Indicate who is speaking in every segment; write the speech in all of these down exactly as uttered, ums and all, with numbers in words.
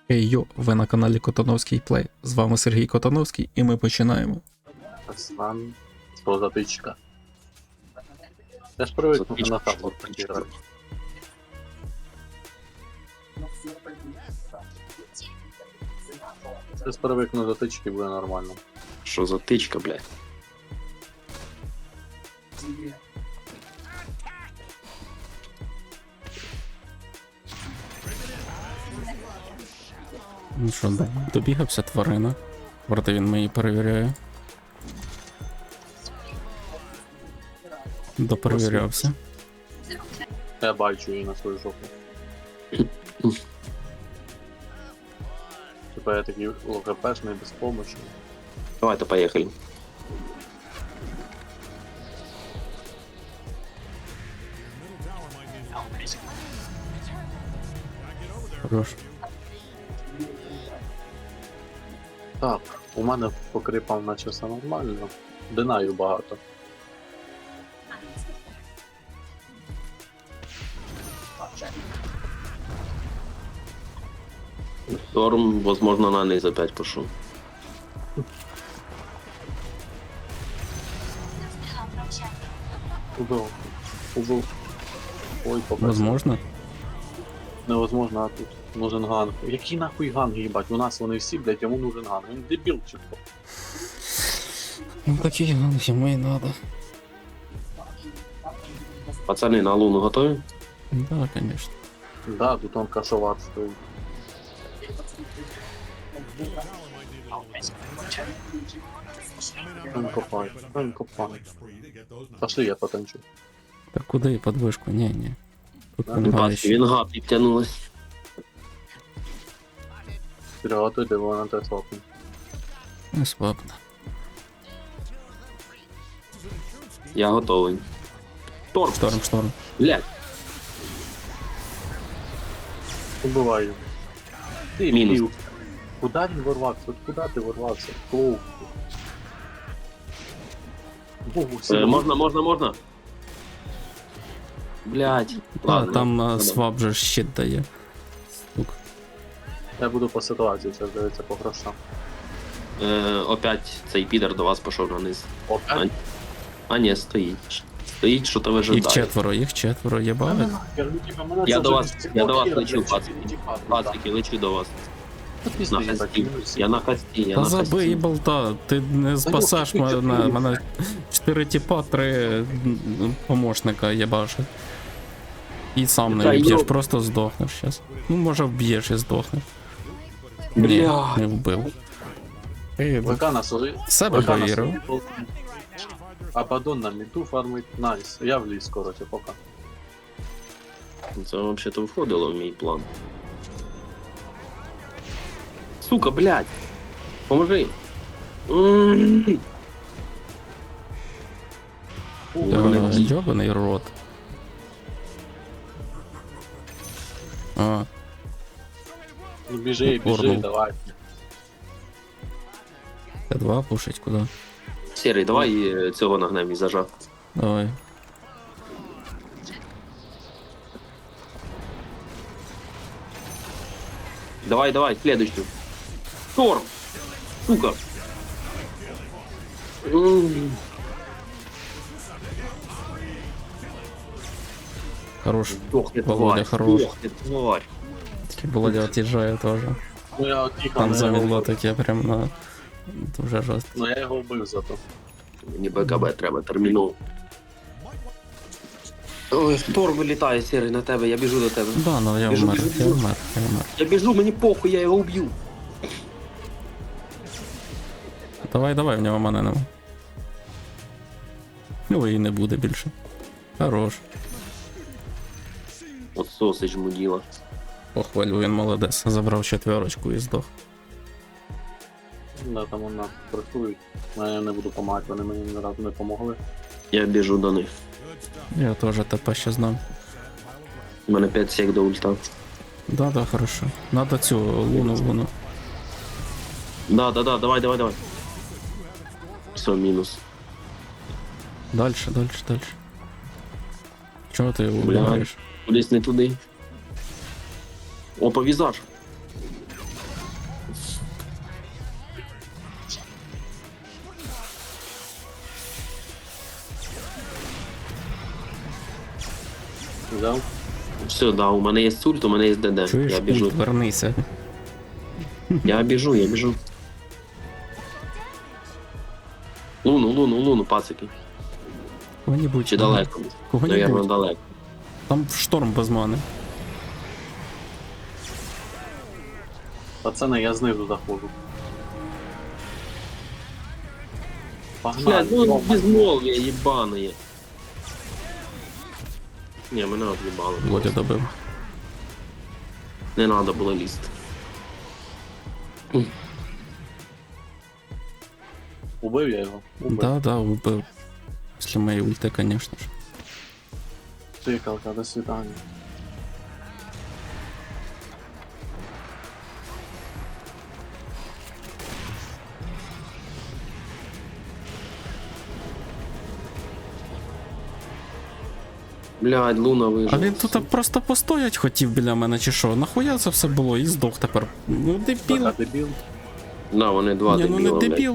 Speaker 1: Хей йо, ви на каналі Котановський Плей. З вами Сергій Котановський і ми починаємо.
Speaker 2: Аслан, сто затичка. Я ж привик на табло грати. Я ж привик на затички, буде нормально.
Speaker 3: Що за тичка, блядь?
Speaker 1: Ну що, добігався тварина. Проте він мені перевіряє. Доперевірявся.
Speaker 2: Я бачу її на свою жопу. Типа я такий ЛГПшний, безпомощний.
Speaker 3: Давайте поехали.
Speaker 1: Хорош.
Speaker 2: Так, у мене по крипам наче все нормально. Динаю багато.
Speaker 3: Шторм, возможно, на низ опять пошел.
Speaker 2: Убив. Убив. Ой, попав.
Speaker 1: Возможно.
Speaker 2: Невозможно, а тут нужен ганг. Який нахуй ганг, їбать? У нас вони всі, блядь, йому нужен ганг. Він дебіл чи хто?
Speaker 1: Ну такий ганг йому і надо.
Speaker 3: Пацаны, на луну готовы?
Speaker 1: Да, конечно.
Speaker 2: Да, тут он кашовар стоїть. Он копає, он копає. Пошли, я потанчу.
Speaker 1: Так куди під вишку? Ні, ні. Тут
Speaker 2: Да,
Speaker 1: вона
Speaker 3: Бачки,
Speaker 1: ще.
Speaker 3: вінга підтягнулась.
Speaker 2: Приготуйте, бо вона те слабне.
Speaker 1: Не слабно.
Speaker 3: Я готовий. Торм,
Speaker 1: Шторм, шторм.
Speaker 3: блядь,
Speaker 2: Убивай його. Ти,
Speaker 3: Мінус.
Speaker 2: Мінус. Куда він ворвався? От куди ти ворвався? Клоу. Богу, всі
Speaker 3: е, можна, можна, можна. Блядь.
Speaker 1: А,
Speaker 3: Ладно,
Speaker 1: там а,
Speaker 3: ладно.
Speaker 1: свап же щит дає. Стук.
Speaker 2: Я буду по ситуації, зараз дивиться по грошам.
Speaker 3: Е, опять цей підер до вас пішов на низ.
Speaker 2: Опять?
Speaker 3: А ні, стоїть. Стоїть, що то
Speaker 1: Їх
Speaker 3: вижидає.
Speaker 1: четверо, їх четверо, єбали.
Speaker 3: Я до вас, я до вас лечу, пацики. Пацики, лечу до вас. На хасті. Я на хасті, я
Speaker 1: Та
Speaker 3: на
Speaker 1: забий
Speaker 3: хасті.
Speaker 1: болта, ти не спасаш
Speaker 2: ну,
Speaker 1: мене, мене чотири тіпа, три м, помощника єбашить. І сам не
Speaker 3: Та
Speaker 1: вб'єш,
Speaker 3: йо.
Speaker 1: просто здохнеш зараз. Ну, може вб'єш і здохнеш. Ні,
Speaker 3: Бля.
Speaker 1: не вбив. Ей,
Speaker 2: ВК на свої...
Speaker 1: в себе
Speaker 2: ВК на
Speaker 1: повірив.
Speaker 2: свої полки. Абадон на міту фармить, найс. Я в ліс, короче, пока.
Speaker 3: Це взагалі-то входило в мій план. Сука, блядь! Поможи! М.
Speaker 1: Е, Йобаний рот. А,
Speaker 2: Ну біжи, біжи,
Speaker 1: Орнул.
Speaker 2: давай.
Speaker 1: Т два пушить куди?
Speaker 3: Серий, давай е, цього нагнем і зажав.
Speaker 1: Давай.
Speaker 3: Давай, давай, следующую. Торм! Сука! М.
Speaker 1: Хорош.
Speaker 3: Сдохни,
Speaker 1: Володя,
Speaker 3: тварь!
Speaker 1: хорош.
Speaker 3: Сдохни, тварь!
Speaker 1: Володя от'їжджає теж.
Speaker 2: Ну я тихо,
Speaker 1: Там
Speaker 2: ну, я
Speaker 1: замідло
Speaker 2: його-
Speaker 1: таке прям на... Дуже жорстко.
Speaker 2: ну я його вбив зато.
Speaker 3: Мені БКБ треба, терміново. Ой, Торм вилітає, Серий, на тебе, я біжу до тебе.
Speaker 1: Да, ну я
Speaker 3: Біжу,
Speaker 1: вмер,
Speaker 3: біжу,
Speaker 1: я
Speaker 3: біжу.
Speaker 1: вмер, я вмер.
Speaker 3: Я біжу, мені похуй, я його вб'ю.
Speaker 1: Давай, давай, в нього мене нема. Ну і не буде більше. Хорош.
Speaker 3: От сосич муділа.
Speaker 1: Похвалю, він молодець. Забрав четверочку і здох.
Speaker 2: Да, там вона працюють. Ну, я не буду помагати, вони мені ні разу не помогли.
Speaker 3: Я біжу до них.
Speaker 1: Я теж ТП ще знав.
Speaker 3: У мене п'ять сек до ульта.
Speaker 1: Да, да, хорошо. Надо цю луну, луну.
Speaker 3: Да, да, да, давай, давай, давай. Все, мінус.
Speaker 1: Дальше, дальше, дальше. Чого ти його
Speaker 3: Бля.
Speaker 1: убираєш?
Speaker 3: Кудись не туди. Опа, візаж.
Speaker 2: Взяв.
Speaker 3: Все, да, у мене є сульт, у мене є ДД.
Speaker 1: Чуєш,
Speaker 3: Я біжу.
Speaker 1: ульт, вернися.
Speaker 3: Я біжу, я біжу. Луну, луну, луну, пацики.
Speaker 1: Кого-нибудь.
Speaker 3: Чи далеко? Наверно,
Speaker 1: Кого-нибудь.
Speaker 3: далеко.
Speaker 1: Там шторм без мани.
Speaker 2: Пацани, я знизу заходжу. Погнали.
Speaker 3: Блядь, ну
Speaker 2: Йома.
Speaker 3: безмолвие ебаное. Не, мене об'їбали.
Speaker 1: Володя добив.
Speaker 3: Не надо було лізти.
Speaker 2: Убив я його. Убив.
Speaker 1: Да, да, убив. Після моєї ульти, звісно ж.
Speaker 2: Тикалка, до свидання.
Speaker 3: Блядь, Луна вижила.
Speaker 1: А він тут просто постоять хотів біля мене чи що? Нахуя це все було і здох тепер. Ну дебіл.
Speaker 2: Така дебіл.
Speaker 3: Да, вони два
Speaker 1: Ні, ну
Speaker 3: дебіла,
Speaker 1: не
Speaker 3: блядь.
Speaker 1: дебіл.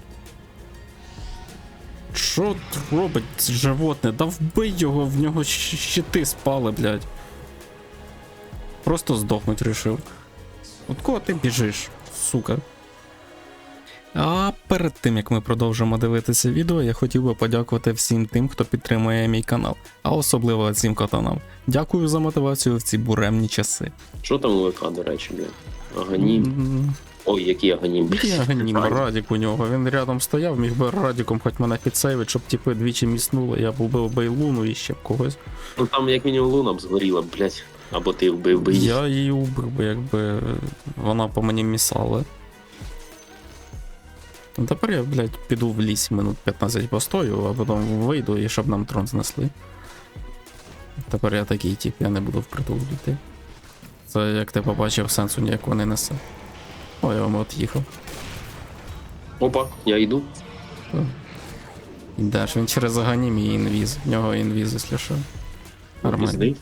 Speaker 1: Що робить животне? Да вбий його, в нього щ- щити спали, блядь. Просто здохнуть рішив. От кого ти біжиш, сука? А перед тим як ми продовжимо дивитися відео, я хотів би подякувати всім тим, хто підтримує мій канал, а особливо цим катанам. Дякую за мотивацію в ці буремні часи.
Speaker 3: Що там у ВК, до речі, блядь? Аганім.
Speaker 1: М,
Speaker 3: Ой, який аганім, блядь.
Speaker 1: Я ганім,
Speaker 3: Радік.
Speaker 1: Радік у нього. Він рядом стояв, міг би Радіком хоч мене підсейвить, щоб типи двічі міснули. Я б убив би і Луну і ще б когось.
Speaker 3: Ну там як мінімум Луна б згоріла, блядь. Або ти вбив би її.
Speaker 1: Я її убив би, якби вона по мені місала. Ну, тепер я, блядь, піду в ліс минут п'ятнадцять постою, а потім вийду і щоб нам трон знесли. Тепер я такий тип, я не буду впритул йти. Це як ти побачив, сенсу ніякого не несе. Ой, я вам от їхав.
Speaker 3: Опа, я йду.
Speaker 1: Ідеш, він через аганім і інвіз. В нього інвіз, якщо що. Нормально.
Speaker 3: Пізди.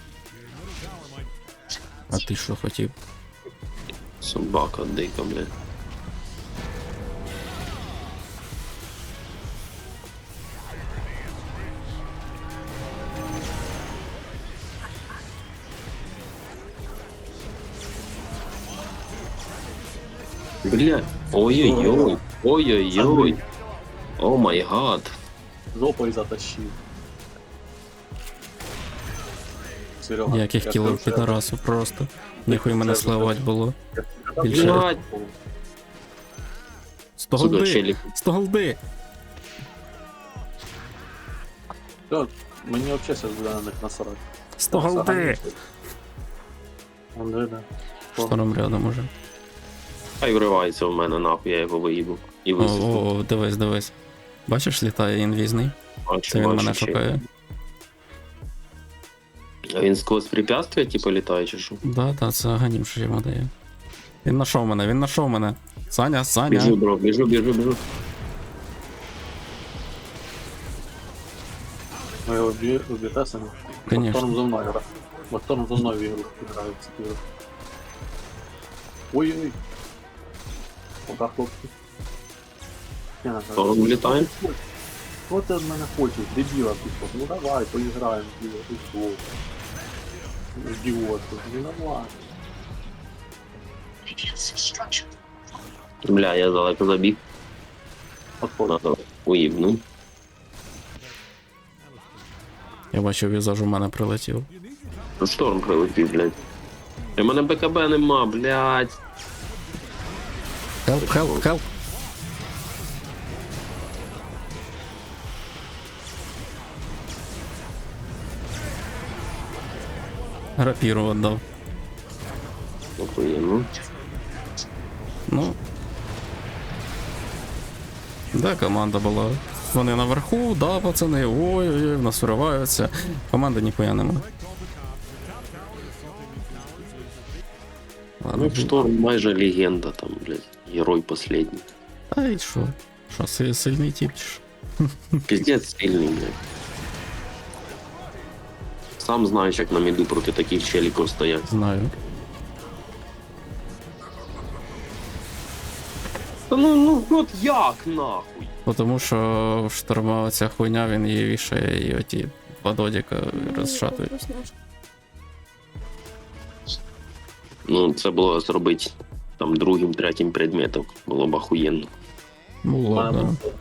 Speaker 1: А ти що хотів?
Speaker 3: Собака дика, блядь. Бля, ой-ой-ой, ой-ой-ой, о май гад.
Speaker 2: Жопою затащив. Серега.
Speaker 1: Ніяких
Speaker 2: я
Speaker 1: кілів
Speaker 2: тебе
Speaker 1: підарасу просто. Ніхуй мене
Speaker 2: Це
Speaker 1: сливать було.
Speaker 2: вже- я тебе
Speaker 1: Більше.
Speaker 2: вже-
Speaker 3: Блядь.
Speaker 1: сто
Speaker 3: Сука,
Speaker 1: голди!
Speaker 3: челік.
Speaker 1: сто голди!
Speaker 2: Все, мені взагалі зараз буде на них насрати.
Speaker 1: сто голди!
Speaker 2: Он де, де.
Speaker 1: Шторм рядом уже.
Speaker 3: Хай вривається в мене, нахуй, я його виїбу. І
Speaker 1: О,
Speaker 3: висуну.
Speaker 1: о, о, дивись, дивись. Бачиш, літає інвізний?
Speaker 3: Бачу,
Speaker 1: Це він
Speaker 3: бачу,
Speaker 1: мене
Speaker 3: ще.
Speaker 1: шукає.
Speaker 3: А він сквозь препятствия, типу, літає, чи що?
Speaker 1: Да, да, це аганім, що йому дає. Він знайшов мене, він знайшов мене. Саня, Саня.
Speaker 3: Біжу, бро, біжу, біжу, біжу.
Speaker 2: Ви його вб'єте самі?
Speaker 1: Конечно.
Speaker 2: Мотором за мною гра. Мотором за мною в ігру грають. ці ігри. Ой-ой-ой. Пока, хлопці. Я не знаю.
Speaker 3: Тором влітає.
Speaker 2: Що ти від мене хочеш? Дебіла пішов. Ну давай, поіграємо. Дебіла, ти що? Ідіот. Ну давай.
Speaker 3: Бля, я далеко забіг.
Speaker 2: Отходь.
Speaker 3: Надо уїбну.
Speaker 1: Я бачив, візаж у мене прилетів.
Speaker 3: Шторм прилетів, блядь. У мене БКБ нема, блядь.
Speaker 1: Хелп, хелп, хелп. Рапіру віддав.
Speaker 3: Охуєнно.
Speaker 1: Ну. Да, команда була. Вони наверху, да, пацани, ой-ой-ой, в нас вириваються. Команди ніхуя нема. Ладно,
Speaker 3: Ну, Шторм майже легенда там, блядь. Герой последній.
Speaker 1: та й що? Що, си- сильний тип чи що?
Speaker 3: Пиздец сильний, блядь. Сам знаєш, як на міду проти таких челіків стоять.
Speaker 1: Знаю.
Speaker 3: Та ну, ну, от як нахуй?
Speaker 1: Тому що шторма оця хуйня, він її вішає і оті два додіка розшатують.
Speaker 3: Ну, це було зробити там другим, третім предметом. Було б охуєнно.
Speaker 1: Було,
Speaker 2: Мене
Speaker 1: да.
Speaker 2: просто-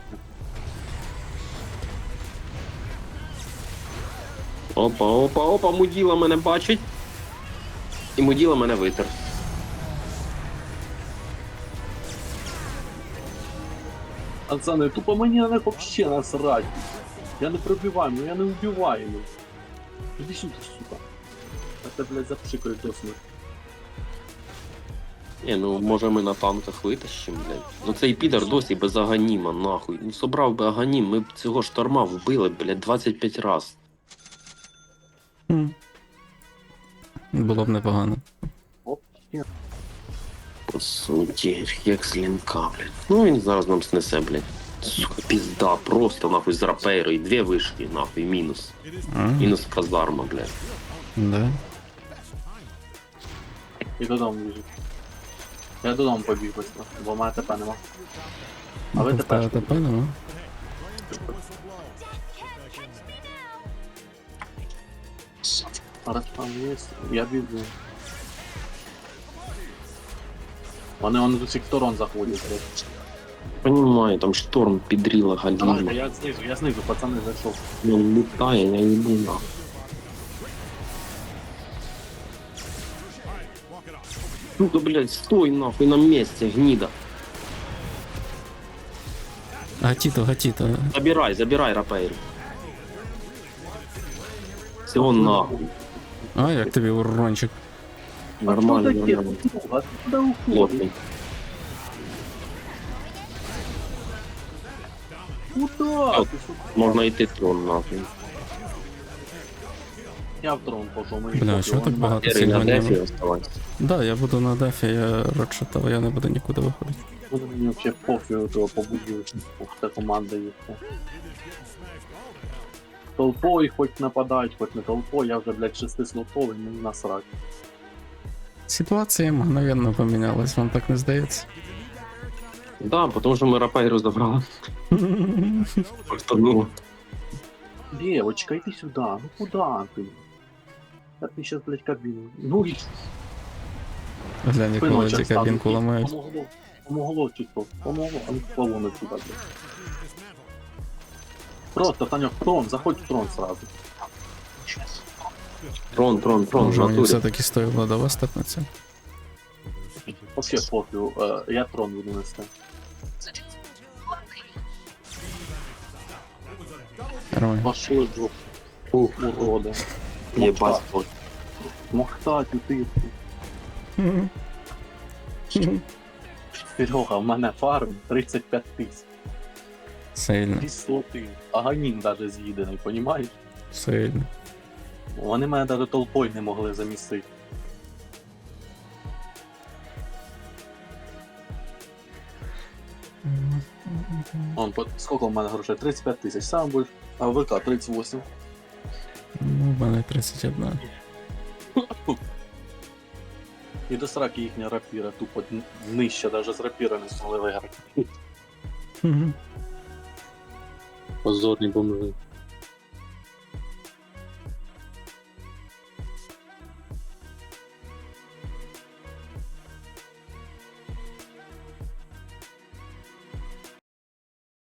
Speaker 3: Опа, опа, опа, муділа мене бачить. І муділа мене витер.
Speaker 2: Пацани, тупо мені на них вообще насрать. Я не пробиваємо, я не вбиваємо. Іди сюди, сука. А це, блядь, запшикаю до смерті.
Speaker 3: Ні, ну може ми на танках витащимо, блядь. Ну цей підар досі без аганіма, нахуй. Ну собрав би аганім, ми б цього шторма вбили, блядь, двадцять п'ять раз.
Speaker 1: Хм. Було б непогано.
Speaker 2: Оп, є.
Speaker 3: По суті, як з лінка, блядь. Ну він зараз нам снесе, блядь. Сука, пізда, просто нахуй з рапейрою. Дві вишки, нахуй, мінус.
Speaker 1: А,
Speaker 3: Мінус казарма, блядь.
Speaker 1: да.
Speaker 2: І додому біжить. Я додому побіг быстро, бо в мене ТП нема. А ви
Speaker 1: В тебе
Speaker 2: ТП?
Speaker 1: ТП нема?
Speaker 2: Раз там є, я біжу. Вони вони з усіх сторон заходять. блядь.
Speaker 3: Понимаю, там шторм підріла
Speaker 2: Давайте,
Speaker 3: галіма.
Speaker 2: я знизу, я знизу, пацани, зайшов.
Speaker 3: Він літає, я їбу нахуй. Ну-ка, блядь, стой нахуй на місці, гніда.
Speaker 1: Гатіто, гатіто.
Speaker 3: Забирай, забирай рапейру. Всього нахуй.
Speaker 1: А, як тобі урончик?
Speaker 3: Нормально,
Speaker 2: Що таке?
Speaker 3: нормально.
Speaker 2: А ти куди уходиш?
Speaker 3: Плотний.
Speaker 2: Куда? Ти що?
Speaker 3: Можна йти трон нахуй.
Speaker 2: Я в трон пошов, мені
Speaker 1: Бля,
Speaker 2: пофіг,
Speaker 1: що так
Speaker 2: вони
Speaker 1: багато
Speaker 3: Ері на
Speaker 1: сильно
Speaker 3: дефі оставайся.
Speaker 1: Да, я буду на дефі, я рочитав, я не буду нікуди виходити.
Speaker 2: Вони мені вообще пофігу того побудили. Ух, та команда є. Толпою хоч нападають, хоч не толпою, я вже, блядь, шестислотовий, мені насрать.
Speaker 1: Ситуація мгновенно помінялась, вам так не здається?
Speaker 3: Да, тому що ми рапейру забрали. Просто ну.
Speaker 2: Девочка, иди сюда, ну куда ты? Да ты сейчас, блядь, кабину. Ну и
Speaker 1: Глянь, як
Speaker 2: спину
Speaker 1: володі
Speaker 2: сейчас
Speaker 1: кабінку ламають.
Speaker 2: Помогло, помогло чисто, помогло, а ну полоны сюда, блядь. Просто, Танек, в трон, заходь в трон сразу.
Speaker 3: Трон, трон, трон,
Speaker 1: Може
Speaker 3: в
Speaker 1: мені
Speaker 3: натурі.
Speaker 1: все-таки стоїло до вас степнеться?
Speaker 2: Вообще пофигу, э, я трон буду нести.
Speaker 1: Нормально.
Speaker 2: Пошли, жопу. Ух, уроды.
Speaker 3: Єбать, от.
Speaker 2: Мохтать, ты. Серега, в мене фарм тридцять п'ять тисяч.
Speaker 1: Сильно,
Speaker 2: Кислоти. Аганін даже з'їдений, понімаєш?
Speaker 1: сильно.
Speaker 2: Вони мене навіть толпою не могли замістити. Он, по- скільки в мене грошей? тридцять п'ять тисяч, сам будеш. А ВК тридцять вісім.
Speaker 1: Ну, в мене тридцять один.
Speaker 2: І до сраки їхня рапіра, тупо н- нижче, навіть з рапіра не змогли виграти. Позорні бомжи.